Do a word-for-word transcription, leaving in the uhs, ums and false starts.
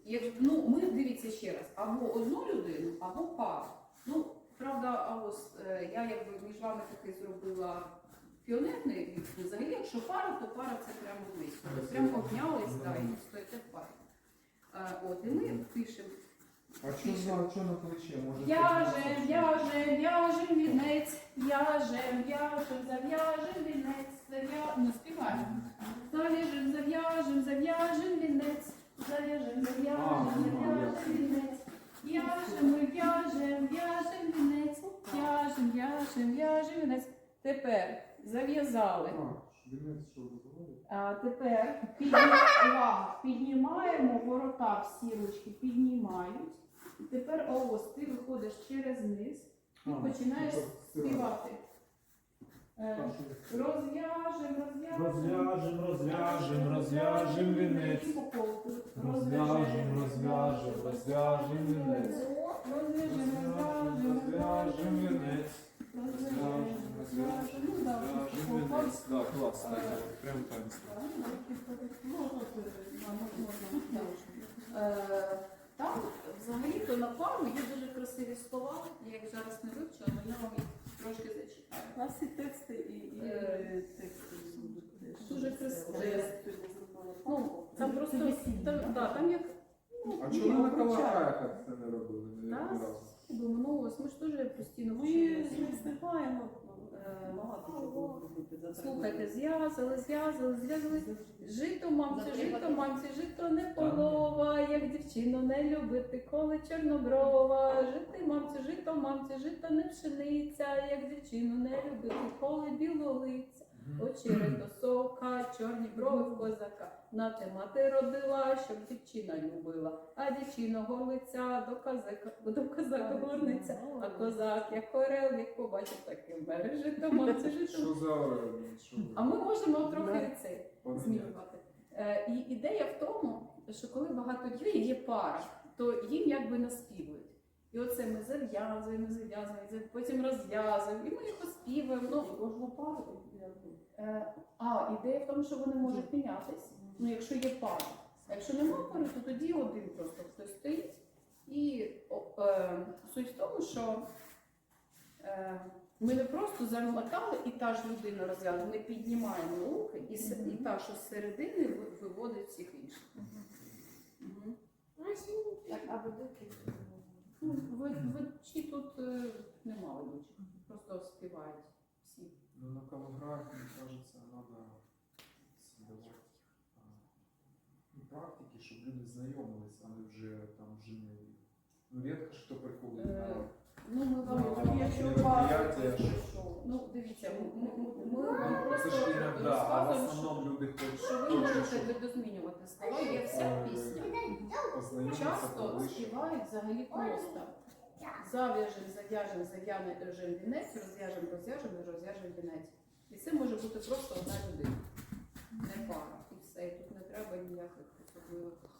Як, ну, ми, дивіться ще раз, або одну людину, або пару. Ну, правда, а ось е, я якби між вами таки зробила піонерний вік. Взагалі, якщо пара, то пара це прямо близько. Прямо обнялись, да, і стоїте в парі. Е, от, і ми пишемо. А що за що на плече? Може, В'яжем, в'яжем, в'яжем вінець, в'яжем, в'яжем, зав'яжем вінець, зав'яжем, ну співаємо. Зав'яжем, зав'яжем, зав'яжем вінець, зав'яжем, зав'яжем, зав'яжем вінець. В'яжем, ми в'яжем, в'яжем вінець, в'яжем, в'яжем, в'яжем вінець. Тепер зав'язали. А тепер піднімаємо, піднімаємо ворота, всі ручки піднімають. І тепер ось ти виходиш через низ і починаєш співати. Е, Розв'яжем, розв'яжем, Розв'яжем, розв'яжем, розв'яжем вінець. Розв'яжем, розв'яжем, розв'яжем вінець. Розв'яжем, Розв'яжем, розв'яжем вінець. розв'яжем, розв'яжем. Ну так, Розв'яжем вінець. Так, класно. Прямо танець. Е, Там взагалі-то на пару є дуже красиві слова, я їх зараз не вивчила, але я вам їх трошки зачитаю. У нас і тексти, і, і Е, тексти будуть. Дуже красиво. Ну, Ну, там просто, там, да, там як, ну, А чому на каварках це не робили? Не Так. разу? думаю, ну ось ми ж теж постійно Ми вчимося. не встигаємо е, багато чого робити. за три Слухайте, роки. зв'язали, зв'язали, зв'язали. Жито, мамці, жито, мамці, жито не полова, як дівчину не любити, коли чорноброва. Жити, мамці, жито, мамці, жито не пшениця, як дівчину не любити, коли білолиця. Очерет сока, чорні брови в козака. На те мати родила, щоб дівчина любила. А дівчина горлиця до козака, до козака горниця. А козак, як орел, як побачив, таким бере. Жито, мамці, жито. Що за що ви? А ми можемо трохи Да. цей Поміняти. змінювати. Е, і ідея в тому, що коли багато дітей є пара, то їм якби наспівують. І оце ми зав'язуємо, зав'язуємо, зав- потім розв'язуємо, і ми їх оспівуємо. Ну, Кожну пару якби. е, а, ідея в тому, що вони можуть мінятись, ну, якщо є пара. А якщо немає пари, то тоді один просто хтось стоїть. І о, е, суть в тому, що е, ми не просто замикали і та ж людина розв'язує, ми піднімаємо руки, і, с- і та, що з середини ви- виводить всіх інших. Мгм. Так, а ведуки? Ну, ви- Ведучі тут е, нема ведучих, просто співають всі. Ну, на каварках, мне кажется, надо создавать а, ну, практики, щоб люди знайомились, а не вже там жили. Ну, рідко ж хто приходить Е, на Ну, ми вам Ну, вам- якщо мероприятия, що ну, дивіться, ми, ми, ми вам це просто ж іноді, а в розказуємо, що, основному люди хочуть, що ви хочуть, можете щоб видозмінювати слова, є вся е, пісня. познайомитися Часто поближче. співають взагалі просто. Зав'яжем, зав'яжем, зав'яжем вінець, розв'яжем, розв'яжем, розв'яжем вінець. І це може бути просто одна людина, не пара. І все, і тут не треба ніяких особливих